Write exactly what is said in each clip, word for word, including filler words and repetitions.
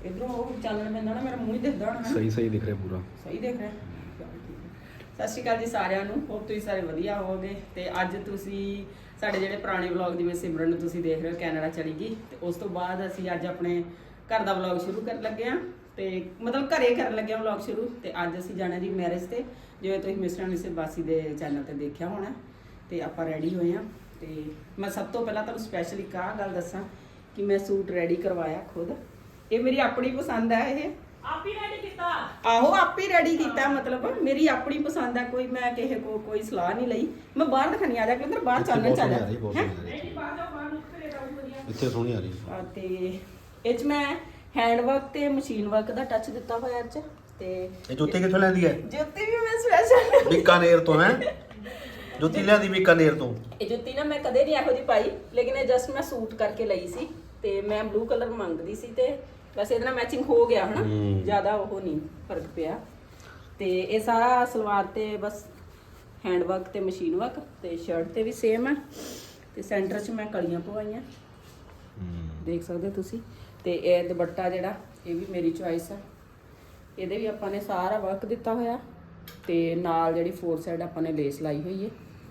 इधरों वो चालन पैंदा ना मेरा मूँह ही दिखदा होना। सही सही दिख ਰਿਹਾ ਪੂਰਾ। ਸਹੀ ਦਿਖ ਰਿਹਾ। ਸਤਿ ਸ਼੍ਰੀ ਅਕਾਲ ਜੀ ਸਾਰਿਆਂ ਨੂੰ। ਹੋਪ ਤੁਸੀਂ ਸਾਰੇ ਵਧੀਆ ਹੋਵੋਗੇ। ਤੇ ਅੱਜ ਤੁਸੀਂ ਸਾਡੇ ਜਿਹੜੇ ਪੁਰਾਣੇ ਵਲੌਗ ਜਿਵੇਂ ਸਿਮਰਨ ਨੂੰ ਤੁਸੀਂ ਦੇਖ ਰਹੇ ਹੋ ਕੈਨੇਡਾ ਚਲੀ ਗਈ, ਤੇ ਉਸ ਤੋਂ ਬਾਅਦ ਅਸੀਂ ਅੱਜ ਆਪਣੇ ਘਰ ਦਾ ਵਲੌਗ ਸ਼ੁਰੂ ਕਰਨ ਲੱਗੇ ਹਾਂ। ਤੇ ਮਤਲਬ ਘਰੇ ਕਰਨ ਲੱਗੇ ਹਾਂ ਵਲੌਗ ਸ਼ੁਰੂ। ਤੇ ਅੱਜ ਅਸੀਂ ਜਾਣਾ ਜੀ ਮੈਰਿਜ ਤੇ, ਜਿਵੇਂ ਤੁਸੀਂ ਮਿਸਟਰ ਮਿਸਿਸ ਬਾਸੀ ਦੇ ਚੈਨਲ ਤੇ ਦੇਖਿਆ ਹੋਣਾ। ਤੇ ਆਪਾਂ ਰੈਡੀ ਹੋਏ ਹਾਂ। ਤੇ ਮੈਂ ਸਭ ਤੋਂ ਪਹਿਲਾਂ ਤੁਹਾਨੂੰ ਸਪੈਸ਼ਲ ਇੱਕ ਆਹ ਗੱਲ ਦੱਸਾਂ ਕਿ ਮੈਂ ਸੂਟ ਰੈਡੀ ਕਰਵਾਇਆ ਖੁਦ। ਇਹ ਮੇਰੀ ਆਪਣੀ ਪਸੰਦ ਹੈ। ਇਹ ਆਪ ਹੀ ਰੈਡੀ ਕੀਤਾ। ਆਹੋ ਆਪ ਹੀ ਰੈਡੀ ਕੀਤਾ, ਮਤਲਬ ਮੇਰੀ ਆਪਣੀ ਪਸੰਦ ਹੈ। ਕੋਈ ਮੈਂ ਕਿਸੇ ਕੋ ਕੋਈ ਸਲਾਹ ਨਹੀਂ ਲਈ। ਮੈਂ ਬਾਹਰ ਦਿਖਾਣੀ ਆ ਜਾ ਕੇ ਅੰਦਰ ਬਾਹਰ ਚਾਨਣ ਚੱਲ ਜਾ ਨਹੀਂ ਬਾਹਰ ਜਾਓ, ਬਾਹਰ ਨਿਕਲ ਕੇ ਰਹੋ ਵਧੀਆ। ਇੱਥੇ ਸੋਹਣੀ ਆ ਰਹੀ ਆ ਤੇ ਇਹ ਚ ਮੈਂ ਹੈਂਡ ਵਰਕ ਤੇ ਮਸ਼ੀਨ ਵਰਕ ਦਾ ਟੱਚ ਦਿੱਤਾ ਹੋਇਆ ਇਹ ਚ। ਤੇ ਇਹ ਜੁੱਤੀ ਕਿੱਥੋਂ ਲੈਂਦੀ ਹੈ? ਜੁੱਤੀ ਵੀ ਮੈਂ ਸਪੈਸ਼ਲ ਬੀਕਾਨੇਰ ਤੋਂ ਹੈ। ਜੁੱਤੀ ਲਿਆਂਦੀ ਬੀਕਾਨੇਰ ਤੋਂ। ਇਹ ਜੁੱਤੀ ਨਾ ਮੈਂ ਕਦੇ ਨਹੀਂ ਇਹੋ ਜਿਹੀ ਪਾਈ, ਲੇਕਿਨ ਇਹ ਜਸਟ ਮੈਂ ਸੂਟ ਕਰਕੇ ਲਈ ਸੀ। ਤੇ ਮੈਂ ਬਲੂ ਕਲਰ ਮੰਗਦੀ ਸੀ ਤੇ ਵੈਸੇ ਇਹਦੇ ਨਾਲ ਮੈਚਿੰਗ ਹੋ ਗਿਆ ਹਨਾ, ਜ਼ਿਆਦਾ ਉਹ ਨਹੀਂ ਫਰਕ ਪਿਆ। ਤੇ ਇਹ ਸਾਰਾ ਸਲਵਾਰ ਤੇ ਬਸ ਹੈਂਡ ਵਰਕ ਤੇ ਮਸ਼ੀਨ ਵਰਕ, ਤੇ ਸ਼ਰਟ ਤੇ ਵੀ ਸੇਮ ਹੈ। ਤੇ ਸੈਂਟਰ 'ਚ ਮੈਂ ਕਲੀਆਂ ਪਵਾਈਆਂ, ਦੇਖ ਸਕਦੇ ਹੋ ਤੁਸੀਂ। ਤੇ ਇਹ ਦੁਪੱਟਾ ਜਿਹੜਾ ਇਹ ਵੀ ਮੇਰੀ ਚੁਆਇਸ ਹੈ। ਇਹਦੇ ਵੀ ਆਪਾਂ ਨੇ ਸਾਰਾ ਵਰਕ ਦਿੱਤਾ ਹੋਇਆ, ਤੇ ਨਾਲ ਜਿਹੜੀ ਫੋਰ ਸਾਈਡ ਆਪਾਂ ਨੇ ਲੇਸ ਲਾਈ ਹੋਈ ਹੈ।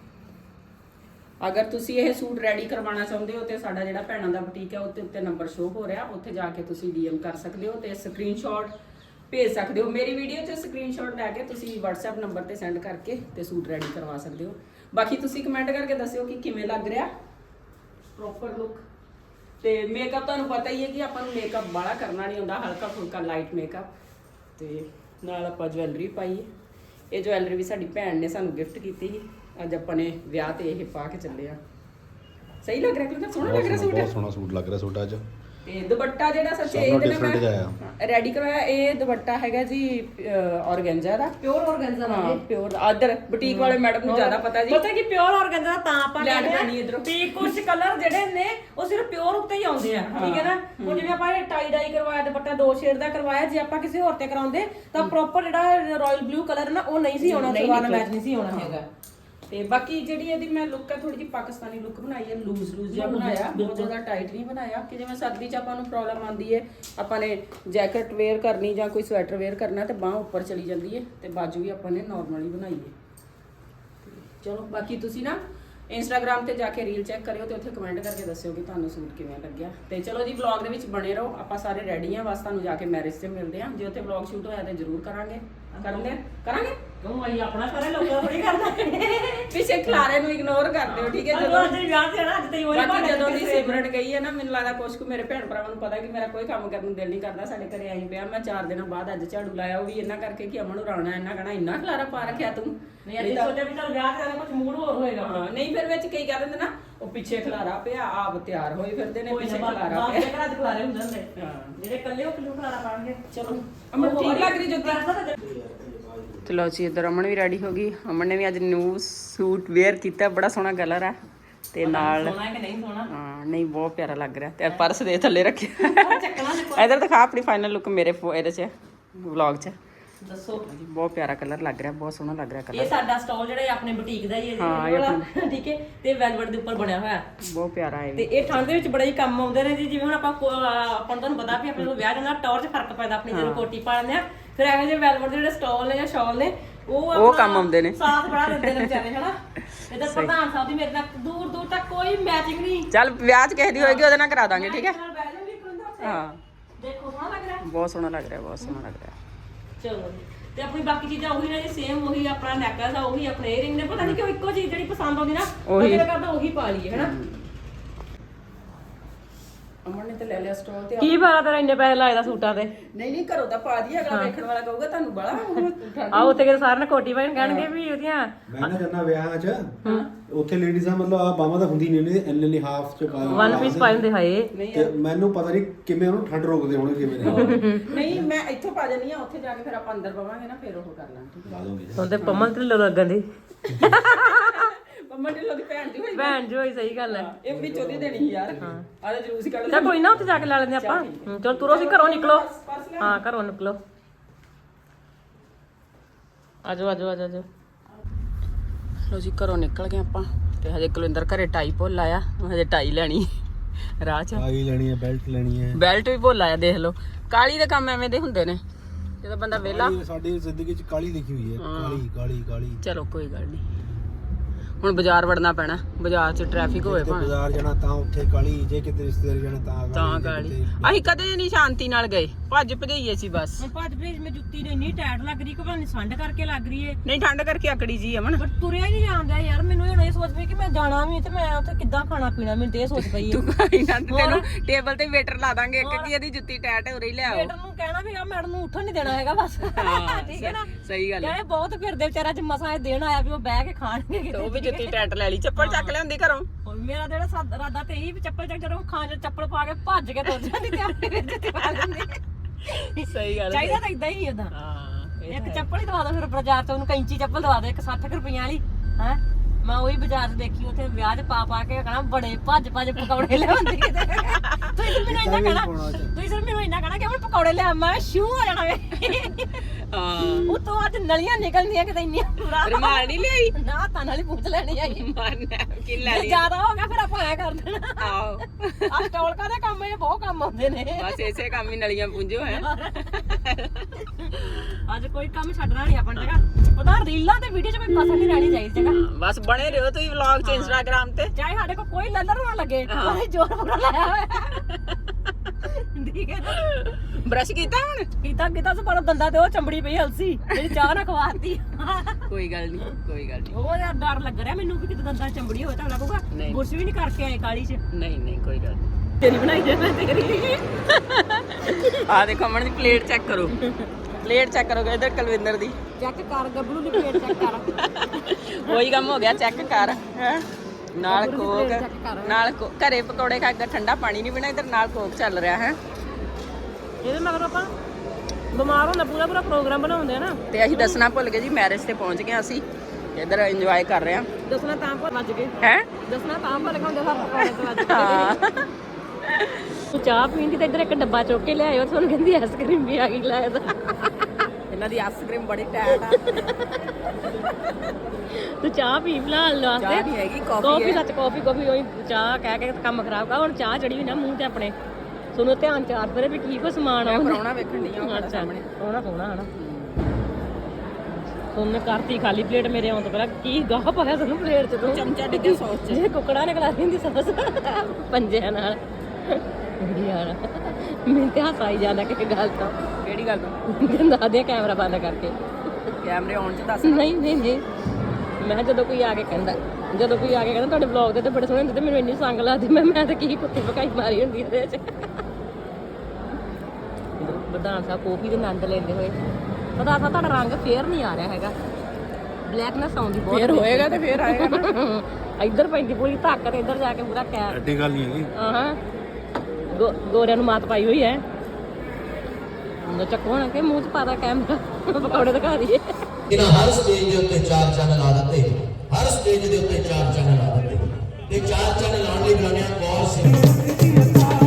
ਅਗਰ ਤੁਸੀਂ ਇਹ ਸੂਟ ਰੈਡੀ ਕਰਵਾਉਣਾ ਚਾਹੁੰਦੇ ਹੋ ਤੇ ਸਾਡਾ ਜਿਹੜਾ ਭੈਣਾਂ ਦਾ ਬੁਟੀਕ ਹੈ ਉੱਤੇ ਉੱਤੇ ਨੰਬਰ ਸ਼ੋ ਹੋ ਰਿਹਾ, ਉੱਥੇ ਜਾ ਕੇ ਤੁਸੀਂ ਡੀਐਮ ਕਰ ਸਕਦੇ ਹੋ ਤੇ ਸਕਰੀਨਸ਼ਾਟ ਭੇਜ ਸਕਦੇ ਹੋ। ਮੇਰੀ ਵੀਡੀਓ 'ਚ ਸਕਰੀਨਸ਼ਾਟ ਲੈ ਕੇ ਤੁਸੀਂ WhatsApp ਨੰਬਰ ਤੇ ਸੈਂਡ ਕਰਕੇ ਤੇ ਸੂਟ ਰੈਡੀ ਕਰਵਾ ਸਕਦੇ ਹੋ। ਬਾਕੀ ਤੁਸੀਂ ਕਮੈਂਟ ਕਰਕੇ ਦੱਸਿਓ ਕਿ ਕਿਵੇਂ ਲੱਗ ਰਿਹਾ ਪ੍ਰੋਪਰ ਲੁੱਕ। ਤੇ ਮੇਕਅਪ ਤੁਹਾਨੂੰ ਪਤਾ ਹੀ ਹੈ ਕਿ ਆਪਾਂ ਨੂੰ ਮੇਕਅਪ ਬਾਹਲਾ ਕਰਨਾ ਨਹੀਂ ਹੁੰਦਾ, ਹਲਕਾ ਫੁਲਕਾ ਲਾਈਟ ਮੇਕਅਪ। ਤੇ ਨਾਲ ਆਪਾਂ ਜਵੈਲਰੀ ਪਾਈ ਹੈ। ਇਹ ਜਵੈਲਰੀ ਵੀ ਸਾਡੀ ਭੈਣ ਨੇ ਸਾਨੂੰ ਗਿਫਟ ਕੀਤੀ ਸੀ। ਅੱਜ ਆਪਾਂ ਨੇ ਵਿਆਹ ਤੇ ਇਹ ਪਾ ਕੇ ਚੱਲੇ ਆ। ਸਹੀ ਲੱਗ ਰਿਹਾ ਕਿ ਸੋਹਣਾ ਲੱਗ ਰਿਹਾ ਸੂਟ। ਬਹੁਤ ਸੋਹਣਾ ਸੂਟ ਲੱਗ ਰਿਹਾ ਸੂਟ ਅੱਜ। ਤੇ ਦੁਪੱਟਾ ਜਿਹੜਾ ਸੱਚੇ ਇਹਦੇ ਨਾਲ ਮੈਂ ਰੈਡੀ ਕਰਵਾਇਆ। ਇਹ ਦੁਪੱਟਾ ਹੈਗਾ ਜੀ ਔਰਗੈਂਜਾ ਦਾ, ਪਿਓਰ ਔਰਗੈਂਜਾ ਦਾ। ਹਾਂ ਪਿਓਰ ਦਾ। ਅਦਰ ਬੁਟੀਕ ਵਾਲੇ ਮੈਡਮ ਨੂੰ ਜ਼ਿਆਦਾ ਪਤਾ ਜੀ। ਪਤਾ ਕਿ ਪਿਓਰ ਔਰਗੈਂਜਾ ਦਾ ਤਾਂ ਆਪਾਂ ਲੈਣ ਪੈਣੀ ਇਧਰੋਂ ਵੀ ਕੁਝ ਕਲਰ ਜਿਹੜੇ ਨੇ ਉਹ ਸਿਰਫ ਪਿਓਰ ਉੱਤੇ ਹੀ ਆਉਂਦੇ ਆ, ਠੀਕ ਹੈ ਨਾ। ਹੁਣ ਜਿਵੇਂ ਆਪਾਂ ਇਹ ਟਾਈ ਡਾਈ ਕਰਵਾਇਆ, ਦੁਪੱਟਾ ਦੋ ਸ਼ੇਡ ਦਾ ਕਰਵਾਇਆ, ਜੇ ਆਪਾਂ ਕਿਸੇ ਹੋਰ ਤੇ ਕਰਾਉਂਦੇ ਤਾਂ ਪ੍ਰੋਪਰ ਜਿਹੜਾ ਰਾਇਲ ਬਲੂ ਕਲਰ ਨਾ ਉਹ ਨਹੀਂ ਸੀ ਆਉਣਾ, ਸਲਵਾਰ ਨਾਲ ਮੈਚ ਨਹੀਂ ਸੀ ਹੋਣਾ ਹੈਗਾ। ਤੇ ਬਾਕੀ ਜਿਹੜੀ ਇਹਦੀ ਮੈਂ ਲੁੱਕ ਹੈ ਥੋੜੀ ਜਿਹੀ ਪਾਕਿਸਤਾਨੀ ਲੁੱਕ ਬਣਾਈ ਹੈ, ਲੂਜ਼ ਲੂਜ਼ ਜਿਹਾ ਬਣਾਇਆ, ਬਹੁਤ ਜ਼ਿਆਦਾ ਟਾਈਟ ਨਹੀਂ ਬਣਾਇਆ। ਕਿ ਜਿਵੇਂ ਸਰਦੀ 'ਚ ਆਪਾਂ ਨੂੰ ਪ੍ਰੋਬਲਮ ਆਉਂਦੀ ਹੈ, ਆਪਾਂ ਨੇ ਜੈਕਟ ਵੇਅਰ ਕਰਨੀ ਜਾਂ ਕੋਈ ਸਵੈਟਰ ਵੇਅਰ ਕਰਨਾ ਤੇ ਬਾਂਹ ਉੱਪਰ ਚਲੀ ਜਾਂਦੀ ਹੈ, ਤੇ ਬਾਜੂ ਵੀ ਆਪਾਂ ਨੇ ਨਾਰਮਲੀ ਬਣਾਈ ਹੈ। ਚਲੋ ਬਾਕੀ ਤੁਸੀਂ ਨਾ ਇੰਸਟਾਗ੍ਰਾਮ ਤੇ ਜਾ ਕੇ ਰੀਲ ਚੈੱਕ ਕਰਿਓ ਤੇ ਉੱਥੇ ਕਮੈਂਟ ਕਰਕੇ ਦੱਸਿਓ ਕਿ ਤੁਹਾਨੂੰ ਸੂਟ ਕਿਵੇਂ ਲੱਗਿਆ। ਤੇ ਚਲੋ ਜੀ ਵਲੌਗ ਦੇ ਵਿੱਚ ਬਣੇ ਰਹੋ। ਆਪਾਂ ਸਾਰੇ ਰੈਡੀ ਆ, ਬਸ ਤੁਹਾਨੂੰ ਜਾ ਕੇ ਮੈਰਿਜ ਤੇ ਮਿਲਦੇ ਆ। ਜੇ ਉੱਥੇ ਵਲੌਗ ਸ਼ੂਟ ਹੋਇਆ ਤੇ ਜ਼ਰੂਰ ਕਰਾਂਗੇ ਕਰਾਂਗੇ ਕਰਾਂਗੇ ਕਿਉਂ ਆਈ ਆਪਣਾ ਕਰੇ, ਲੋਕਾਂ ਥੋੜੀ ਕਰਨਾ। ਪਿੱਛੇ ਖਲਾਰੇ ਨੂੰ ਇਗਨੋਰ ਕਰ ਦਿਓ, ਠੀਕ ਹੈ। ਜਦੋਂ ਅੱਜ ਵਿਆਹ ਤੇ ਨਾ ਅੱਜ ਤੇ ਉਹੀ ਬਾਕੀ ਜਦੋਂ ਦੀ ਸਿਮਰਨ ਗਈ ਹੈ ਨਾ, ਮੈਨੂੰ ਲੱਗਦਾ ਕੁਛ ਕੁ ਮੇਰੇ ਭੈਣ ਭਰਾਵਾਂ ਨੂੰ ਪਤਾ ਕਿ ਮੇਰਾ ਕੋਈ ਕੰਮ ਕਰਨ ਨੂੰ ਦਿਲ ਨਹੀਂ ਕਰਦਾ। ਸਾਡੇ ਘਰੇ ਆਈ ਪਿਆ, ਮੈਂ ਚਾਰ ਦਿਨਾਂ ਬਾਅਦ ਅੱਜ ਝਾੜੂ ਲਾਇਆ, ਉਹ ਵੀ ਇਹਨਾਂ ਕਰਕੇ ਕਿ ਅਮਨ ਨੂੰ ਰਾਣਾ ਇਹਨਾਂ ਕਹਿਣਾ ਇੰਨਾ ਖਲਾਰਾ ਪਾ ਰੱਖਿਆ ਤੂੰ। ਨਹੀਂ ਅਸੀਂ ਸੋਚਿਆ ਵੀ ਚੱਲ ਵਿਆਹ ਤੇ ਕੁਝ ਮੂਡ ਹੋਰ ਹੋਏਗਾ। ਹਾਂ ਨਹੀਂ ਫਿਰ ਵਿੱਚ ਕਈ ਕਹਿ ਦਿੰਦੇ ਨਾ ਉਹ ਪਿੱਛੇ ਖਲਾਰਾ ਪਿਆ, ਆਪ ਤਿਆਰ ਹੋਏ ਫਿਰਦੇ ਨੇ, ਪਿੱਛੇ ਖਲਾਰਾ ਪਿਆ। ਘਰਾਂ ਚ ਖਲਾਰੇ ਹੁੰਦੇ ਹੁੰਦੇ, ਹਾਂ ਜਿਹੜੇ ਇਕੱਲੇ ਉਹ ਕਿਲੋ ਖਲਾਰਾ ਪਾਣਗੇ। ਚਲੋ ਅਮਨ ਠੀਕ ਲੱਗ ਰਹੀ ਜੁੱਤੀ। ਚਲੋ ਜੀ ਇੱਧਰ ਅਮਨ ਵੀ ਰੈਡੀ ਹੋ ਗਈ। ਅਮਨ ਨੇ ਵੀ ਅੱਜ ਨਿਊ ਸੂਟ ਵੇਅਰ ਕੀਤਾ, ਬੜਾ ਸੋਹਣਾ ਕਲਰ ਹੈ। ਤੇ ਨਾਲ ਸੋਹਣਾ ਹੈ ਕਿ ਨਹੀਂ ਸੋਹਣਾ? ਹਾਂ ਨਹੀਂ ਬਹੁਤ ਪਿਆਰਾ ਲੱਗ ਰਿਹਾ। ਤੇ ਪਰਸ ਦੇ ਥੱਲੇ ਰੱਖਿਆ। ਇਧਰ ਦਿਖਾ ਆਪਣੀ ਫਾਈਨਲ ਲੁੱਕ ਮੇਰੇ ਇਹਦੇ 'ਚ ਵਲੌਗ 'ਚ ਦੱਸੋ। ਬਹੁਤ ਪਿਆਰਾ ਕਲਰ ਲੱਗ ਰਿਹਾ, ਬਹੁਤ ਸੋਹਣਾ ਲੱਗ ਰਿਹਾ ਕਲਰ। ਇਹ ਸਾਡਾ ਸਟਾਲ ਜਿਹੜਾ ਆਪਣੇ ਬੁਟੀਕ ਦਾ ਹੀ ਹੈ, ਠੀਕ ਹੈ। ਤੇ ਵੈਲਵਟ ਦੇ ਉੱਪਰ ਬਣਿਆ ਹੋਇਆ, ਬਹੁਤ ਪਿਆਰਾ ਹੈ। ਤੇ ਇਹ ਠੰਡ ਦੇ ਵਿੱਚ ਬੜਾ ਹੀ ਕੰਮ ਆਉਂਦੇ ਨੇ ਜੀ। ਜਿਵੇਂ ਹੁਣ ਆਪਾਂ ਆਪਾਂ ਨੂੰ ਤੁਹਾਨੂੰ ਪਤਾ ਵੀ ਆਪਣੇ ਨੂੰ ਵਿਆਹ ਜਾਂਦਾ ਟੌਰ 'ਚ ਫਰਕ ਪੈਂਦਾ, ਆਪਣੀ ਜਦੋਂ ਕੋਟੀ ਪਾ ਲੈਂਦੇ ਆ, ਫਿਰ ਇਹੋ ਜਿਹੇ ਵੈਲਵਟ ਦੇ ਜਿਹੜੇ ਸਟਾਲ ਨੇ ਜਾਂ ਸ਼ਾਲ ਨੇ ਉਹ ਉਹ ਕੰਮ ਆਉਂਦੇ ਨੇ, ਸਾਥ ਬੜਾ ਦਿੰਦੇ ਨੇ ਵਿਚਾਰੇ, ਹਨਾ। ਇਹਦਾ ਪ੍ਰਧਾਨ ਸਾਹਿਬ ਦੀ ਮੇਰੇ ਨਾਲ ਦੂਰ ਦੂਰ ਤੱਕ ਕੋਈ ਮੈਚਿੰਗ ਨਹੀਂ। ਚੱਲ ਵਿਆਹ 'ਚ ਕਿਸੇ ਦੀ ਹੋਏਗੀ ਉਹਦੇ ਨਾਲ ਕਰਾ ਦਾਂਗੇ, ਠੀਕ ਹੈ। ਹਾਂ ਦੇਖੋ ਸੋਹਣਾ ਲੱਗ ਰਿਹਾ, ਬਹੁਤ ਸੋਹਣਾ ਲੱਗ ਰਿਹਾ, ਬਹੁਤ ਸੋਹਣਾ ਲੱਗ ਰਿਹਾ। ਚਲੋ ਤੇ ਆਪਣੀ ਬਾਕੀ ਚੀਜ਼ਾਂ ਉਹੀ ਨੇ ਜੀ, ਸੇਮ ਉਹੀ ਆਪਣਾ ਨੈਕਲਸ ਆ, ਉਹੀ ਆਪਣੇ ਏਅਰਿੰਗ ਨੇ। ਪਤਾ ਨਹੀਂ ਕਿਉਂ ਇੱਕੋ ਚੀਜ਼ ਜਿਹੜੀ ਪਸੰਦ ਆਉਂਦੀ ਨਾ ਉਹ ਜਿਹੜਾ ਕਰਦਾ ਉਹੀ ਪਾ ਲਈਏ, ਹਨਾ। ਅਮਨ ਨੇ ਤੇ ਲੈ ਲਿਆ ਸਟੋਰ ਤੇ। ਕੀ ਪਤਾ ਤੇਰਾ ਇੰਨੇ ਪੈਸੇ ਲਾਇਦਾ ਸੂਟਾਂ ਤੇ? ਨਹੀਂ ਨਹੀਂ ਘਰੋਂ ਤਾਂ ਪਾ ਦੀ, ਅਗਲਾ ਵੇਖਣ ਵਾਲਾ ਕਹੂਗਾ ਤੁਹਾਨੂੰ ਬੜਾ ਆ ਉੱਥੇ ਕਿਤੇ ਸਾਰਿਆਂ ਨੇ ਕੋਟੀ ਪਾਈ ਕਹਿਣਗੇ ਵੀ ਉਹਦੀਆਂ। ਮੈਂ ਨਾ ਜਾਂਦਾ ਵਿਆਹ 'ਚ ਉੱਥੇ ਲੇਡੀਜ਼ਾਂ ਮਤਲਬ ਆ ਬਾਹਾਂ ਤਾਂ ਹੁੰਦੀ ਨਹੀਂ ਨੇ, ਇੰਨੇ ਨੇ ਹਾਫ 'ਚ ਪਾ ਵਨ ਪੀਸ ਪਾਏ ਹੁੰਦੇ ਹਾਏ। ਤੇ ਮੈਨੂੰ ਪਤਾ ਨਹੀਂ ਕਿਵੇਂ ਉਹਨੂੰ ਠੰਡ ਰੋਕਦੇ ਹੋਣੇ ਕਿਵੇਂ। ਨਹੀਂ ਮੈਂ ਇੱਥੋਂ ਪਾ ਜਾਨੀ ਆ, ਉੱਥੇ ਜਾ ਕੇ ਫਿਰ ਆਪਾਂ ਅੰਦਰ ਪਵਾਂਗੇ ਨਾ, ਫਿਰ ਉਹ ਕਰ ਲਾਂਗੇ, ਠੀਕ ਲਾ ਦੋਗੇ। ਹੁਣ ਤੇ ਪੰਮਲ ਢਿੱਲੋਂ ਲੱਗਣ ਦੀ। ਪੰਮਾ ਢਿੱਲੋਂ ਦੀ ਭੈਣ ਦੀ ਹੋਈ ਭੈਣ ਜੋ ਹੋਈ, ਸਹੀ ਗੱਲ ਹੈ। ਇਹ ਵੀ ਚੋਦੀ ਦੇਣੀ ਸੀ ਯਾਰ। ਆ ਤਾਂ ਜਲੂਸ ਹੀ ਕੱਢ ਚੱਲ ਕੋਈ ਨਾ, ਉੱਥੇ ਜਾ ਕੇ ਲੈ ਲੈਂਦੇ ਆਪਾਂ। ਚਲ ਤੁਰੋ ਅਸੀਂ ਘਰੋਂ ਨਿਕਲੋ। ਹਾਂ ਘਰੋਂ ਨਿਕਲੋ, ਆਜੋ ਆਜੋ ਆਜੋ ਆਜੋ। ਲੋ ਜੀ ਘਰੋਂ ਨਿਕਲ ਗਏ ਆਪਾਂ। ਤੇ ਹਜੇ ਕੁਲਿੰਦਰ ਘਰੇ ਟਾਈ ਭੁੱਲ ਆਇਆ, ਹਜੇ ਟਾਈ ਲੈਣੀ। ਰਾਹ 'ਚ ਆਹੀ ਲੈਣੀ ਹੈ, ਬੈਲਟ ਲੈਣੀ ਹੈ। ਬੈਲਟ ਵੀ ਭੁੱਲ ਆਇਆ, ਦੇਖ ਲਓ। ਕਾਲੀ ਦੇ ਕੰਮ ਐਵੇਂ ਦੇ ਹੁੰਦੇ ਨੇ ਜਦੋਂ ਬੰਦਾ ਵਿਹਲਾ। ਸਾਡੀ ਜ਼ਿੰਦਗੀ 'ਚ ਕਾਲੀ ਲਿਖੀ ਹੋਈ ਹੈ, ਕਾਲੀ ਕਾਲੀ ਕਾਲੀ। ਚਲੋ ਕੋਈ ਗੱਲ ਨਹੀਂ, ਹੁਣ ਬਾਜ਼ਾਰ ਵੜਨਾ ਪੈਣਾ। ਬਾਜ਼ਾਰ 'ਚ ਟ੍ਰੈਫਿਕ ਹੋਵੇ ਭਾਵੇਂ, ਬਾਜ਼ਾਰ ਜਾਣਾ ਤਾਂ ਉੱਥੇ ਕਾਲੀ, ਜੇ ਕਿਤੇ ਰਿਸ਼ਤੇਦਾਰ ਜਾਣਾ ਤਾਂ ਤਾਂ ਕਾਲੀ। ਅਸੀਂ ਕਦੇ ਨਹੀਂ ਸ਼ਾਂਤੀ ਨਾਲ ਗਏ, ਭੱਜ ਭਜਾਈਏ ਸੀ ਬਸ। ਹੁਣ ਭੱਜ ਭੇਜ ਮੈਂ ਜੁੱਤੀ ਨੇ ਇੰਨੀ ਟਾਈਟ ਲੱਗ ਰਹੀ ਕਿ ਪਤਾ ਨਹੀਂ ਸੰਡ ਕਰਕੇ ਲੱਗ ਰਹੀ ਏ। ਨਹੀਂ ਠੰਡ ਕਰਕੇ ਅਕੜੀ ਜੀ ਅਮਨ। ਪਰ ਤੁਰਿਆ ਹੀ ਨਹੀਂ ਜਾਂਦਾ ਯਾਰ। ਮੈਨੂੰ ਹੁਣ ਇਹ ਸੋਚ ਪਈ ਕਿ ਮੈਂ ਜਾਣਾ ਵੀ ਤੇ ਮੈਂ ਉੱਥੇ ਕਿੱਦਾਂ ਖਾਣਾ ਪੀਣਾ, ਮੈਨੂੰ ਤੇ ਇਹ ਸੋਚ ਪਈ ਤੂੰ ਕੋਈ ਨਾ, ਤੈਨੂੰ ਟੇਬਲ ਤੇ ਵੇਟਰ ਲਾ ਦਾਂਗੇ ਇੱਕ ਕਿ ਇਹਦੀ ਜੁੱਤੀ ਟੈਟ ਹੋ ਰਹੀ, ਲਿਆਓ। ਵੇਟਰ ਨੂੰ ਕਹਿਣਾ ਵੀ ਆ ਮੈਡਮ ਨੂੰ ਉੱਠਣ ਨਹੀਂ ਦੇਣਾ ਹੈਗਾ ਬਸ। ਠੀਕ ਹੈ ਨਾ, ਸਹੀ ਗੱਲ ਹੈ। ਇਹ ਬਹੁਤ ਫਿਰਦੇ ਵਿਚਾਰਾ ਚ ਮਸਾ ਇਹ ਦੇਣ ਆਇਆ ਵੀ ਉਹ ਬਹਿ ਕੇ ਖਾਣਗੇ ਕਿਤੇ। ਉਹ ਵੀ ਜੁੱਤੀ ਟੈਟ ਲੈ ਲਈ, ਚੱਪਲ ਚੱਕ ਲਿਆਉਂਦੀ ਘਰੋਂ। ਮੇਰਾ ਜਿਹੜਾ ਸਾਦਾ ਇਰਾਦਾ ਤੇ ਇਹੀ ਵੀ ਚੱਪਲ ਚੱਕ ਜਦੋਂ ਖਾਣ ਚ ਚੱਪਲ ਪਾ ਕੇ ਭੱਜ ਕੇ ਤੁਰ ਜਾਂਦੀ ਤੇ ਆਪਣੇ ਵਿੱਚ ਤੇ ਪਾ ਲੈਂਦੀ। ਸਹੀ ਗੱਲ ਹੈ। ਚਾਹੀਦਾ ਤਾਂ ਇਦਾਂ ਹੀ ਉਹਦਾ। ਹਾਂ, ਇੱਕ ਚੱਪਲ ਹੀ ਦਵਾ ਦੋ ਫਿਰ ਬਾਜ਼ਾਰ ਤੋਂ, ਉਹਨੂੰ ਕੈਂਚੀ ਚੱਪਲ ਦਵਾ ਦੋ ਇੱਕ ਸੱਠ ਕੁ ਰੁਪਈਆਂ ਵਾਲੀ। ਹੈ ਮੈਂ ਉਹੀ ਬਾਜ਼ਾਰ 'ਚ ਦੇਖੀ, ਉੱਥੇ ਵਿਆਹ 'ਚ ਪਾ ਪਾ ਕੇ ਕਹਣਾ ਬੜੇ ਭੱਜ ਭੱਜ ਪਕੌੜੇ ਲਿਆਉਂਦੀ ਕਿਤੇ। ਤੁਸੀਂ ਸਿਰ ਮੈਨੂੰ ਇੰਨਾ ਕਹਿਣਾ, ਤੁਸੀਂ ਸਿਰ ਮੈਨੂੰ ਇੰਨਾ ਕਹਿਣਾ ਕਿ ਮੈਂ ਪਕੌੜੇ ਲਿਆ, ਮੈਂ ਸ਼ੂ ਹੋ ਜਾਣਾ ਵੇ। ਹਾਂ, ਉਤੋਂ ਅੱਜ ਨਲੀਆਂ ਨਿਕਲਦੀਆਂ ਕਿਤੇ ਇੰਨੀਆਂ ਪੂਰਾ। ਰੁਮਾਲ ਨਹੀਂ ਲਿਆਈ, ਨਾ ਤਾਂ ਨਾਲ ਹੀ ਪੁੱਛ ਲੈਣੀ ਆਈ। ਮਾਰਨਾ ਕਿ ਲੈ ਜੇ ਲਈ। ਜ਼ਿਆਦਾ ਹੋ ਗਿਆ ਫਿਰ ਆਪਾਂ ਐ ਕਰ ਦੇਣਾ। ਆਓ, ਆ ਸਟੋਲਕਾਂ ਦੇ ਕੰਮ ਇਹ ਬਹੁਤ ਕੰਮ ਆਉਂਦੇ ਨੇ। ਬਸ ਇਸੇ ਕੰਮ ਹੀ ਨਲੀਆਂ ਪੁੰਜੋ ਹੈ। ਅੱਜ ਕੋਈ ਕੰਮ ਛੱਡਣਾ ਨਹੀਂ ਆਪਾਂ ਜਗਾ। ਪਤਾ ਰੀਲਾਂ ਤੇ ਵੀਡੀਓ 'ਚ ਕੋਈ ਕਸਰ ਨਹੀਂ ਰਹਿਣੀ ਚਾਹੀਦੀ ਜਗਾ। ਬਸ ਬਣੇ ਰਹੋ ਤੁਸੀਂ ਵਲੌਗ 'ਚ, ਇੰਸਟਾਗ੍ਰਾਮ ਤੇ। ਚਾਹੇ ਸਾਡੇ ਕੋਲ ਕੋਈ ਲੱਲਰ ਨਾ ਲੱਗੇ, ਕੋਈ ਜ਼ੋਰ ਪੂਰਾ ਲਾਇਆ ਹੋਇਆ। ਠੀਕ ਹੈ ਨਾ। ਬ੍ਰਸ਼ ਕੀਤਾ ਹੁਣ? ਕੀਤਾ ਕੀਤਾ ਸੋ ਪਰ ਦੰਦਾਂ ਤੇ ਉਹ ਚੰਬੜੀ ਪਈ ਹਲਸੀ ਜਿਹੜੀ ਚਾਹ ਨਾ ਖਵਾਤੀ। ਕੋਈ ਗੱਲ ਨਹੀਂ, ਕੋਈ ਗੱਲ ਨਹੀਂ। ਉਹ ਯਾਰ ਡਰ ਲੱਗ ਰਿਹਾ ਮੈਨੂੰ ਵੀ ਕਿਤੇ ਦੰਦਾਂ ਚੰਬੜੀ ਹੋਵੇ ਤਾਂ ਲੱਗੂਗਾ। ਨਹੀਂ। ਬੁਰਸ਼ ਵੀ ਨਹੀਂ ਕਰਕੇ ਆਏ ਕਾਲੀ 'ਚ। ਨਹੀਂ ਨਹੀਂ ਕੋਈ ਗੱਲ ਨਹੀਂ। ਤੇਰੀ ਬਣਾਈ ਜੇ ਮੈਂ ਤੇਰੀ। ਆ ਦੇਖੋ ਅਮਨ ਦੀ ਪਲੇਟ ਚੈੱਕ ਕਰੋ, ਪਲੇਟ ਚੈੱਕ ਕਰੋਗੇ ਇਧਰ ਕੁਲਵਿੰਦਰ ਦੀ। ਚੈੱਕ ਕਰ ਗੱਭਰੂ ਦੀ ਪਲੇਟ ਚੈੱਕ ਕਰ। ਉਹੀ ਕੰਮ ਹੋ ਗਿਆ, ਚੈੱਕ ਕਰ। ਹੈ ਨਾਲ ਕੋਕ, ਨਾਲ ਕੋ- ਘਰੇ ਪਕੌੜੇ ਖਾ ਕੇ ਠੰਡਾ ਪਾਣੀ ਨਹੀਂ ਪੀਣਾ, ਇਧਰ ਨਾਲ ਕੋਕ ਚੱਲ ਰਿਹਾ ਹੈ। ਇਹਦੇ ਮਗਰ ਆਪਾਂ ਬਿਮਾਰ ਹੁੰਦਾ ਪੂਰਾ ਪੂਰਾ ਪ੍ਰੋਗਰਾਮ ਬਣਾਉਂਦੇ ਆ ਨਾ। ਤੇ ਅਸੀਂ ਦੱਸਣਾ ਭੁੱਲ ਗਏ ਜੀ, ਮੈਰਿਜ ਤੇ ਪਹੁੰਚ ਗਏ ਅਸੀਂ, ਇਧਰ ਇੰਜੋਏ ਕਰ ਰਹੇ ਹਾਂ। ਦੱਸਣਾ ਤਾਂ ਭੁੱਲ ਵੱਜ ਗਏ। ਹੈ ਦੱਸਣਾ ਤਾਂ ਭੁੱਲ ਗਏ ਹੁੰਦੇ ਹੱਥ ਪਕੌੜੇ ਤੇ ਵੱਜ ਗਏ। ਤੂੰ ਚਾਹ ਪੀਣ ਦੀ ਤਾਂ ਇੱਧਰ ਇੱਕ ਡੱਬਾ ਚੁੱਕ ਕੇ ਲਿਆਇਓ, ਤੁਹਾਨੂੰ ਕਹਿੰਦੀ ਆਈਸਕ੍ਰੀਮ ਵੀ ਆ ਗਈ ਲੱਗਦਾ। ਇਹਨਾਂ ਦੀ ਆਈਸਕ੍ਰੀਮ ਬੜੀ ਟੈਟ ਆ। ਤੂੰ ਚਾਹ ਪੀ ਫਿਲਹਾਲ ਚਾਹ ਵਾਸਤੇ। ਨਹੀਂ ਹੈਗੀ, ਕਾਫੀ ਕਾਫੀ ਹੈ। ਸੱਚ ਕਾਫੀ ਕਾਫੀ ਉਹੀ ਚਾਹ ਕਹਿ ਕੇ ਕੰਮ ਖਰਾਬ ਕਰ। ਹੁਣ ਚਾਹ ਚੜੀ ਵੀ ਨਾ ਮੂੰਹ ਤੇ ਆਪਣੇ, ਸੁਣੋ ਧਿਆਨ ਚਾਰ ਫਰੇ ਵੀ ਕੀ ਕੋ ਸਮਾਨ ਆ। ਪਰੌਣਾ ਵੇਖਣ ਨਹੀਂ ਆਉਂਦਾ ਅੱਛਾ ਸਾਹਮਣੇ। ਸੋਹਣਾ ਸੋਹਣਾ ਹਨਾ। ਸੋਨੇ ਕਰਤੀ ਖਾਲੀ ਪਲੇਟ ਮੇਰੇ ਆਉਣ ਤੋਂ ਪਹਿਲਾਂ। ਕੀ ਗਾਹ ਪਾਇਆ ਤੁਹਾਨੂੰ ਪਲੇਟ 'ਚ ਤੂੰ? ਚਮਚਾ ਡਿੱਗਿਆ ਸੌਸ 'ਚ। ਜੇ ਕੁਕੜਾ ਨਿਕਲਾ ਦਿੰਦੀ ਸੌਸ ਪੰਜਿਆਂ ਨਾਲ। ਯਾਰ ਮੈਨੂੰ ਤੇ ਹੱਸ ਆਈ ਜਾਂਦਾ ਕਿ ਗੱਲ ਤਾਂ। ਕਿਹੜੀ ਗੱਲ ਤੋਂ? ਦੱਸ ਦੇ ਕੈਮਰਾ ਬੰਦ ਕਰਕੇ। ਕੈਮਰੇ ਆਨ 'ਚ ਦੱਸ। ਨਹੀਂ ਨਹੀਂ ਨਹੀਂ ਮੈਂ ਕਿਹਾ ਜਦੋਂ ਕੋਈ ਆ ਕੇ ਕਹਿੰਦਾ, ਜਦੋਂ ਕੋਈ ਆ ਕੇ ਕਹਿੰਦਾ ਤੁਹਾਡੇ ਵਲੌਗ ਦੇ ਤੇ ਬੜੇ ਸੋਹਣੇ ਹੁੰਦੇ ਤੇ ਮੈਨੂੰ ਇੰਨੀ ਸੰਗ ਲੱਗਦੀ। ਮੈਂ ਮੈਂ ਤਾਂ ਕੀ ਕੁੱਤੀ ਭਕਾਈ ਮਾਰੀ ਹੁੰਦੀ ਇਹਦੇ 'ਚ। ਪ੍ਰਧਾਨ ਸਾਹਿਬ ਕੌਫੀ ਦੇ ਆਨੰਦ ਲੈਂਦੇ ਹੋਏ। ਪਤਾ ਤਾਂ ਤੁਹਾਡਾ ਰੰਗ ਫੇਅਰ ਨਹੀਂ ਆ ਰਿਹਾ ਹੈਗਾ, ਬਲੈਕਨੈਸ ਆਉਂਦੀ ਬਹੁਤ। ਫੇਰ ਹੋਏਗਾ ਤੇ ਫੇਰ ਆਏਗਾ ਨਾ। ਇੱਧਰ ਪੈਂਦੀ ਪੂਰੀ ਧੱਕ ਤੇ ਇੱਧਰ ਜਾ ਕੇ ਪੂਰਾ ਕੈਪ। ਐਡੀ ਗੱਲ ਨਹੀਂ ਹੈਗੀ। ਹਾਂ ਗੋਰਿਆਂ ਨੂੰ ਮਾਤ ਪਾਈ ਹੋਈ ਹੈ। ਉਹ ਚੱਕੋ ਨਾ ਕਿ ਮੂੰਹ 'ਚ ਪਾਦਾ ਕੈਮਰਾ, ਪਕੌੜੇ ਦਿਖਾ ਦਈਏ। ਇਹਨਾਂ ਹਰ ਸਟੇਜ ਦੇ ਉੱਤੇ ਚਾਰ ਚੈਨਲ ਆ ਦਿੱਤੇ, ਹਰ ਸਟੇਜ ਦੇ ਉੱਤੇ ਚਾਰ ਚੈਨਲ ਆ ਦਿੱਤੇ ਤੇ ਚਾਰ ਚੈਨਲ ਆਉਣ ਲਈ ਬਣਾਉਣੇ ਆ ਕੌਰ ਸਿੰਘ।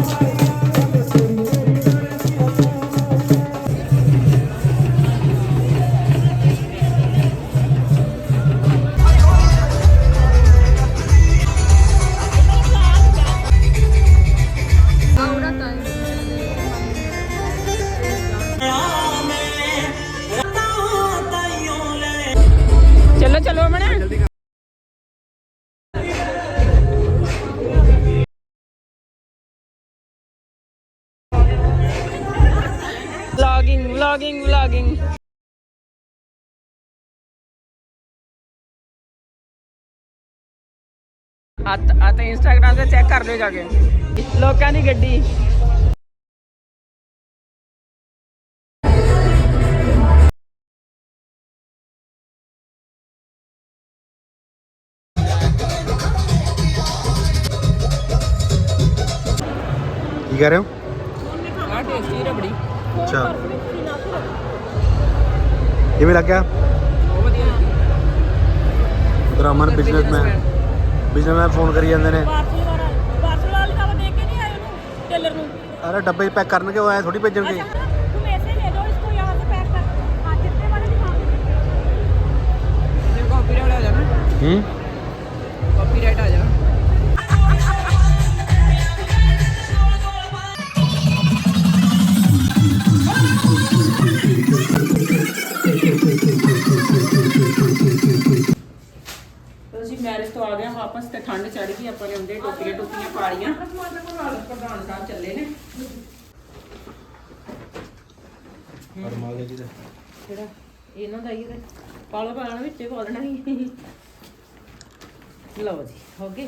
ਚਲੋ ਚਲੋ ਅਮਨ। Vlogging vlogging vlogging. ਆ ਆ ਤਾਂ ਇੰਸਟਾਗ੍ਰਾਮ ਤੇ ਚੈੱਕ ਕਰ ਲਿਓ ਜਾ ਕੇ ਲੋਕਾਂ ਦੀ ਗੱਡੀ। ਕੀ ਕਰ ਰਹੇ ਹੋ? ਆ ਟੇਸਟੀ ਰਬੜੀ, ਅੱਛਾ ਕਿਵੇਂ ਲੱਗਿਆ? ਬਹੁਤ ਵਧੀਆ। ਉਧਰ ਅਮਨ ਬਿਜ਼ਨਸਮੈਨ ਬਿਜ਼ਨਸਮੈਨ ਫੋਨ ਕਰੀ ਜਾਂਦੇ ਨੇ। ਪਾਰਸਲ ਵਾਲਾ ਪਾਰਸਲ ਵਾਲੇ ਤਾਂ ਦੇ ਕੇ ਨਹੀਂ ਆਏ ਉਹਨੂੰ ਟੇਲਰ ਨੂੰ। ਅਰੇ ਡੱਬੇ ਪੈਕ ਕਰਨਗੇ, ਉਹ ਐ ਥੋੜੀ ਭੇਜਣਗੇ। तुम ऐसे ले दो इसको यहाँ से पैक कर। हाँ कितने वाले दिखाओ। ਜੇ ਕਾਪੀਰਾਈਟ ਆ ਜਾਣਾ, ਹੂੰ ਕਾਪੀਰਾਈਟ ਆ ਜਾਣਾ। ਵਾਪਸ ਤੇ ਠੰਡ ਚੜ ਗਈ, ਆਪਾਂ ਨੇ ਉਹਦੇ ਟੋਪੀਆਂ ਟੋਪੀਆਂ ਪਾ ਲਈਆਂ। ਪ੍ਰਧਾਨ ਸਾਹਿਬ ਚੱਲੇ ਨੇ। ਪਰ ਮਾਲ ਜੀ ਦਾ ਜਿਹੜਾ ਇਹਨਾਂ ਦਾ ਹੀ ਪਾਲੋ ਪਾਣਾ ਵਿੱਚ ਹੀ ਪਾ ਦੇਣਾ ਸੀ। ਲਓ ਜੀ ਹੋ ਗਏ।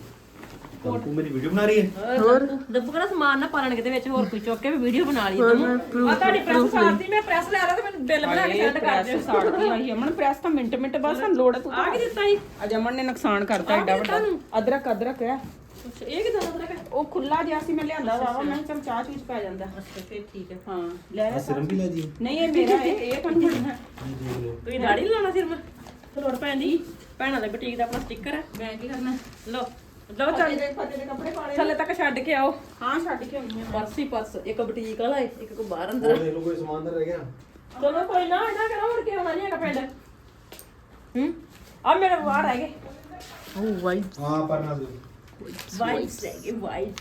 ਤੂੰ ਮੇਰੀ ਵੀਡੀਓ ਬਣਾ ਰਹੀ ਹੈ? ਹੋਰ ਦੱਬੂ ਕਿਹੜਾ ਸਮਾਨ ਨਾ ਪਾਲਣ ਕਿਤੇ ਵਿੱਚ ਹੋਰ ਕੋਈ ਚੁੱਕ ਕੇ ਵੀ ਵੀਡੀਓ ਬਣਾ ਲਈ ਤੂੰ। ਆ ਤੁਹਾਡੀ ਪ੍ਰੈਸ ਸਾੜਦੀ, ਮੈਂ ਪ੍ਰੈਸ ਲੈ ਲਾ ਤੇ ਮੈਨੂੰ ਬਿੱਲ ਬਣਾ ਕੇ ਸੈਂਡ ਕਰ ਦਿਓ। ਸਾੜਦੀ ਆਈ ਅਮਨ ਪ੍ਰੈਸ ਤਾਂ ਮਿੰਟ ਮਿੰਟ ਬਾਅਦ ਸਾਨੂੰ ਲੋੜ ਹੈ। ਤੂੰ ਆ ਕੀ ਦਿੱਤਾ ਸੀ? ਅੱਜ ਅਮਨ ਨੇ ਨੁਕਸਾਨ ਕਰਤਾ ਐਡਾ ਵੱਡਾ। ਅਦਰਕ ਅਦਰਕ ਹੈ ਅੱਛਾ ਇਹ ਕਿਦਾਂ ਅਦਰਕ? ਉਹ ਖੁੱਲਾ ਜਿਹਾ ਸੀ, ਮੈਂ ਲਿਆਂਦਾ ਵਾ ਮੈਂ ਚਲ ਚਾਹ ਚੂਚ ਪੈ ਜਾਂਦਾ। ਅੱਛਾ ਫੇਰ ਠੀਕ ਹੈ। ਹਾਂ ਲੈ ਆ ਸਿਰਮ ਵੀ ਲੈ ਜੀ। ਨਹੀਂ ਇਹ ਮੇਰਾ ਹੈ, ਇਹ ਤਾਂ ਨਹੀਂ ਹੈ। ਤੁਸੀਂ ਦਾੜੀ ਨੀ ਲਾਉਣਾ ਸਿਰ ਮੈਂ ਲੋੜ ਪੈਂਦੀ। ਭੈਣਾਂ ਦੇ ਬੁਟੀਕ ਦਾ ਆਪਣਾ ਸਟicker ਹੈ। ਮੈਂ ਕੀ ਕਰਨਾ? ਲਓ ਲਓ ਚੱਲ ਦੇ ਫਤੇ ਦੇ ਕੱਪੜੇ ਪਾਣੇ ਥੱਲੇ ਤੱਕ ਛੱਡ ਕੇ ਆਓ। ਹਾਂ ਛੱਡ ਕੇ ਆਉਣੀ ਆ। ਪਰਸ ਹੀ ਪਰਸ, ਇੱਕ ਬੁਟੀਕ ਵਾਲਾ ਹੈ, ਇੱਕ ਕੋ ਬਾਹਰ ਅੰਦਰ। ਦੇਖ ਲਓ ਕੋਈ ਸਮਾਨ ਤਾਂ ਰਹਿ ਗਿਆ। ਚਲੋ ਕੋਈ ਨਾ ਇਹਨਾਂ ਕਰੋ, ਮੁੜ ਕੇ ਆਉਣਾ ਨਹੀਂ ਹੈਗਾ ਪਿੰਡ। ਹੂੰ ਆ ਮੇਰੇ ਵਾਰ ਰਹਿ ਗਏ। ਉਹ ਵਾਈਟ ਹਾਂ ਪਰ ਨਾ ਦਿਓ। ਵਾਈਟ ਰਹਿ ਗਏ ਵਾਈਟ।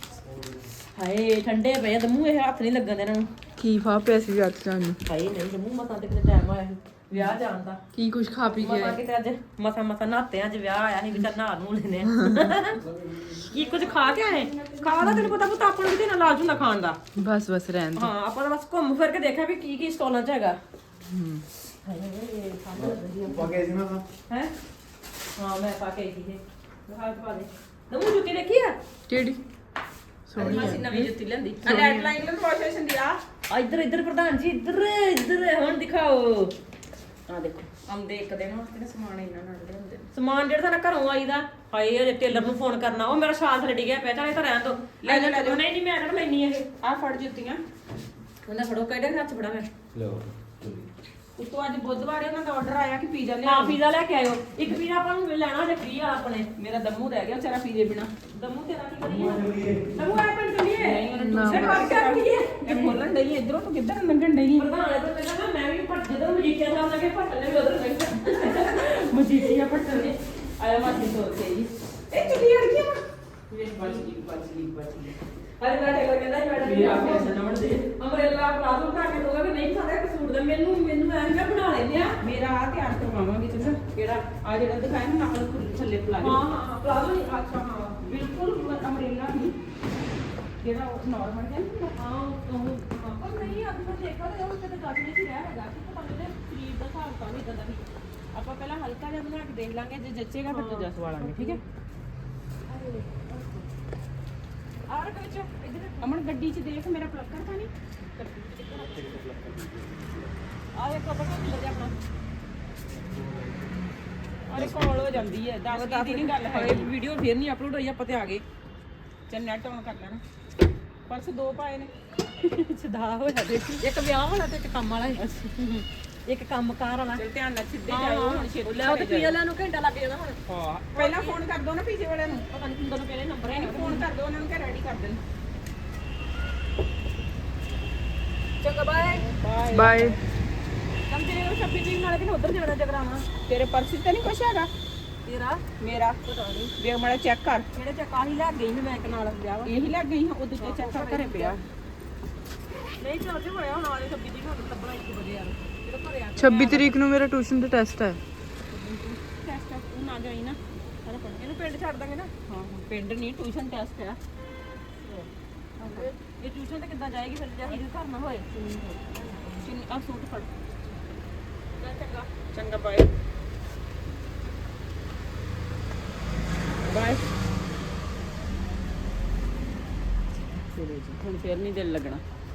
ਹਾਏ ਠੰਡੇ ਪਏ ਆ, ਦਮੂ ਇਹ ਹੱਥ ਨਹੀਂ ਲੱਗਣ ਦੇ ਇਹਨਾਂ ਨੂੰ। ਕੀ ਫਾ ਪਿਆ ਸੀ ਅੱਜ ਤੁਹਾਨੂੰ? ਹਾਏ ਨਹੀਂ ਦਮੂ ਮਸਾਂ ਤੇ ਕਿਤੇ ਟਾਈਮ ਆਇਆ ਸੀ ਵਿਆਹ ਜਾਣ ਦਾ। ਕੀ ਕੁਛ ਖਾ ਪੀ ਮਸਾਂ ਗਿਆ? ਕਿਤੇ ਅੱਜ ਮਸਾਂ ਮਸਾਂ ਨਹਾਤੇ ਅੱਜ ਵਿਆਹ ਆਇਆ ਸੀ, ਵਿਚਾਰ ਨਹਾ ਨੂੰ ਲੈਨੇ ਆ। ਕੀ ਕੁਝ ਖਾ ਕੇ ਆਏ? ਖਾ ਦਾ ਤੈਨੂੰ ਪਤਾ ਪੁੱਤ ਆਪਾਂ ਨੂੰ ਕਿਤੇ ਨਾ ਲਾਲਚ ਹੁੰਦਾ ਖਾਣ ਦਾ। ਬਸ ਬਸ ਰਹਿਣ ਦੋ। ਹਾਂ ਆਪਾਂ ਤਾਂ ਬਸ ਘੁੰਮ ਫਿਰ ਕੇ ਦੇਖਿਆ ਵੀ ਕੀ ਕੀ ਸਟਾਲਾਂ 'ਚ ਹੈਗਾ। ਹੂੰ ਹਾਏ ਖਾਣਾ ਵਧੀਆ ਪਾ ਕੇ ਸੀ ਨਾ ਤਾਂ ਹੈ। ਹਾਂ ਮੈਂ ਪਾ ਕੇ ਆਈ ਸੀ ਇਹ ਹਾਲ ਪਾ ਦੇ। ਦਮੂ ਜੁੱਤੀ ਦੇਖੀ ਆ? ਕਿਹੜੀ? ਸੋਹਣੀ ਅਸੀਂ ਨਵੀਂ ਜੁੱਤੀ ਲੈਂਦੀ। ਆ ਲੈਟ ਲਾਈਨ ਨੂੰ ਵਾਸ਼ੇਸ਼ਨ ਦੀ ਆ ਆ ਇੱਧਰ ਇੱਧਰ ਪ੍ਰਧਾਨ ਜੀ ਇੱਧਰ ਇੱਧਰ ਹੁਣ ਦਿਖਾਓ। ਆ ਦੇਖੋ ਆਉਂਦੇ ਇੱਕ ਦਿਨ ਵਾਸਤੇ ਨਾ ਸਮਾਨ ਇਹਨਾਂ ਨਾਲ ਲਿਆਉਂਦੇ ਨੇ। ਸਮਾਨ ਜਿਹੜਾ ਸਾਡਾ ਘਰੋਂ ਆਈਦਾ। ਹਾਏ ਅਜੇ ਟੇਲਰ ਨੂੰ ਫੋਨ ਕਰਨਾ, ਉਹ ਮੇਰਾ ਸ਼ਾਲ ਥੱਲੇ ਡਿੱਗਿਆ ਪਿਆ, ਚਾਹੇ ਤਾਂ ਰਹਿਣ ਦੋ। ਲੈ ਜਾ ਲੈ ਜਾ। ਨਹੀਂ ਨਹੀਂ ਮੈਂ ਕਿਹੜਾ ਲੈਣੀ ਇਹ। ਆ ਫੜ ਜੁੱਤੀਆਂ। ਉਹਦਾ ਫੜੋ ਕਿਹੜੇ ਹੱਥ 'ਚ ਫੜਾ ਮੈਂ। ਲਓ ਉਤੋਂ ਅੱਜ ਬੁੱਧਵਾਰ ਉਹਨਾਂ ਦਾ ਆਰਡਰ ਆਇਆ ਕਿ ਪੀਜ਼ਾ ਲਿਆ। ਹਾਂ ਪੀਜ਼ਾ ਲੈ ਕੇ ਆਇਓ। ਇੱਕ ਪੀਜ਼ਾ ਆਪਾਂ ਨੂੰ ਲੈਣਾ ਜੇ ਫ੍ਰੀ ਆ ਆਪਣੇ। ਮੇਰਾ ਦਮੂ ਰਹਿ ਗਿਆ ਵਿਚਾਰਾ ਪੀਜ਼ੇ ਬਿਨਾ। ਦਮੂ ਤੇਰਾ ਕੀ ਕਰੀਏ? ਦਮੂ ਆ ਪਿੰਡ ਚੱਲੀਏ। ਨਹੀਂ ਉਹਨੂੰ ਨਾ। ਟਿਊਸ਼ਨ ਕਰ ਕੇ ਰੱਖੀਏ। ਇਹ ਖੋਲਣ ਡਈ ਇਧਰੋਂ ਤੂੰ ਕਿੱਧਰ ਲੰਘਣ ਡਈ? ਪ੍ਰਧਾਨ ਇਹ ਤਾਂ ਪਹਿਲਾਂ ਨਾ ਮੈਂ ਵੀ ਭੱਜ ਜਦੋਂ ਮਜੀਠੀਆ ਸਾਹਿਬ ਲੱਗੇ ਭੱਟਣ ਨੇ ਵੀ ਉਧਰ ਲੰਘ ਮਜੀਠੀਆ ਪੱਟਣ ਨੇ ਆਇਆ ਮਾਸੀ ਤੋਰ ਕੇ ਜੀ। ਇਹ ਚੁੱਲੀ ਅੜ ਗਈ ਵਾ। ਵੇਖ ਬਚ ਗਈ ਬਚ ਗਈ ਬਚ ਗਈ। ਅਰੇ ਮੇਰਾ ਟੇਲਰ ਕਹਿੰਦਾ ਜੀ ਮੈਡਮ ਮੇਰਾ ਫੈਸ਼ਨ ਨਵੜ ਦੇ। ਅੰਬਰੇਲਾ ਪਲਾਜ਼ੋ ਬਣਾ ਕੇ ਦੋਗਾ ਕਿ ਨਹੀਂ ਸਾਡਾ ਇੱਕ ਸੂਟ ਦਾ ਮੈਨੂੰ ਮੈਨੂੰ ਐਂ ਕਿਹਾ ਬਣਾ ਲੈਂਦੇ ਆ। ਮੇਰਾ ਆ ਤਿਆਰ ਕਰਵਾਵਾਂਗੇ ਚੰਗਾ। ਕਿਹੜਾ? ਆ ਜਿਹੜਾ ਦਿਖਾਇਆ ਨਾ ਨਾਲ ਥੱਲੇ ਪਲਾਜੋ। ਹਾਂ ਹਾਂ ਪਲਾਜ਼ੋ ਨਹੀਂ ਅੱਛਾ ਹਾਂ ਬਿਲਕੁਲ ਅਮਰੇਲਾ ਨਹੀਂ ਜਿਹੜਾ ਉਹ ਨਾਰਮਲ ਹੈ ਨਾ। ਹਾਂ ਉਹ ਪਰ ਨਹੀਂ ਅੱਜ ਮੈਂ ਦੇਖਿਆ ਤੇ ਉਹ ਤੇ ਗੱਜ ਨਹੀਂ ਸੀ ਰਿਹਾ ਹੈਗਾ ਕਿ ਪਤਾ ਨਹੀਂ ਸਰੀਰ ਦਾ ਹਿਸਾਬ ਤਾਂ ਨਹੀਂ ਇਦਾਂ ਦਾ ਵੀ। ਆਪਾਂ ਪਹਿਲਾਂ ਹਲਕਾ ਜਿਹਾ ਬਣਾ ਕੇ ਦੇਖ ਲਾਂਗੇ, ਜੇ ਜੱਚੇਗਾ ਫਿਰ ਦੂਜਾ ਸਵਾ ਲਾਂਗੇ। ਠੀਕ ਹੈ। ਆਰ ਵਿੱਚ ਇਧਰ ਅਮਨ ਗੱਡੀ 'ਚ ਦੇਖ ਮੇਰਾ ਪਲੱਕਰ ਤਾਂ ਨਹੀਂ। ਆ ਇੱਕ ਆਪਣਾ ਕਿੱਧਰ ਜਾ ਆਪਣਾ ਅਰੇ ਕਾਲ ਹੋ ਜਾਂਦੀ ਹੈ। ਦਸ ਦੀ ਨਹੀਂ ਗੱਲ ਹੈ। ਵੀਡੀਓ ਫੇਰ ਨਹੀਂ ਅਪਲੋਡ ਹੋਈ ਆਪਾਂ ਤੇ ਆ ਗਏ। ਚੱਲ ਨੈਟ ਆਨ ਕਰ ਲੈਣਾ। ਪਰਸ ਦੋ ਪਾਏ ਨੇ। ਸਦਾ ਹੋਇਆ ਦੇਖੀ ਇੱਕ ਵਿਆਹ ਵਾਲਾ ਤੇ ਇੱਕ ਕੰਮ ਵਾਲਾ ਹੈ। ਇੱਕ ਕੰਮਕਾਰ ਵਾਲਾ। ਚਲ ਧਿਆਨ ਨਾਲ ਸਿੱਧੇ ਜਾਓ ਹੁਣ ਛੇਤੀ ਲੈ ਉਹ ਤੇ ਪੀਆ ਲੈਣ ਨੂੰ ਘੰਟਾ ਲੱਗ ਜਾਣਾ ਹੁਣ। ਹਾਂ ਪਹਿਲਾਂ ਫੋਨ ਕਰ ਦੋ ਨਾ ਪੀਜੇ ਵਾਲਿਆਂ ਨੂੰ। ਪਤਾ ਨਹੀਂ ਕਿੰਦੋਂ ਪਹਿਲੇ ਨੰਬਰ ਹੈ। ਫੋਨ ਕਰ ਦੋ ਉਹਨਾਂ ਨੂੰ ਕਿ ਰੈਡੀ ਕਰ ਦੇਣ। ਚੰਗਾ ਬਾਏ ਬਾਏ ਬਾਏ। ਕੰਮ ਤੇਰੇ ਨੂੰ ਛੱਬੀ ਤਰੀਕ ਨਾਲੇ ਕਿ ਉਧਰ ਜਾਣਾ ਜਗਰਾਵਾਂ। ਤੇਰੇ ਪਰਸ 'ਚ ਤਾਂ ਨਹੀਂ ਕੁਛ ਹੈਗਾ? ਤੇਰਾ ਮੇਰਾ ਪਤਾ ਨਹੀਂ ਵੇਖ ਮਾੜਾ ਚੈੱਕ ਕਰ। ਜਿਹੜੇ ਚ ਕਾਹੀ ਲੈ ਗਈ ਸੀ ਮੈਂ ਇੱਕ ਨਾਲ ਵਿਆਹ ਵਾ। ਇਹੀ ਲੱਗ ਗਈ ਹਾਂ ਉਹ ਦੂਜੇ ਚੈੱਕ ਕਰ ਘਰੇ ਪਿਆ। ਨਹੀਂ ਚੱਲ ਤੇ ਹੋਇਆ ਹੁਣ ਆਲੇ ਛੱਬੀ ਤਰੀਕ ਨੂੰ ਲੱਭਣਾ ਇੱਕ ਵਜੇ ਯਾਰ ਜਿਹੜਾ ਘਰੇ ਆ ਛੱਬੀ ਤਰੀਕ ਨੂੰ ਮੇਰਾ ਟਿਊਸ਼ਨ ਦਾ ਟੈਸਟ ਹੈ। ਟੈਸਟ ਤੂੰ ਨਾ ਜਾਈ ਨਾ। ਸਾਰਾ ਪੜ ਇਹਨੂੰ ਪਿੰਡ ਛੱਡ ਦਾਂਗੇ ਨਾ। ਹਾਂ ਹਾਂ ਪਿੰਡ ਨਹੀਂ ਟਿਊਸ਼ਨ ਟੈਸਟ ਆ। ਇਹ ਟਿਊਸ਼ਨ ਤੇ ਕਿੱਦਾਂ ਜਾਏਗੀ ਫਿਰ ਜੇ ਇਹਦੇ ਘਰ ਨਾ ਹੋਏ। ਚਿੰਨੀ ਆ ਸੂਟ ਫੜ। ਚੰਗਾ ਚੰਗਾ ਬਾਏ ਬਾਏ। ਚਲੋ ਜੀ ਹੁਣ ਫੇਰ ਨਹੀਂ ਦਿਲ ਲੱਗਣਾ।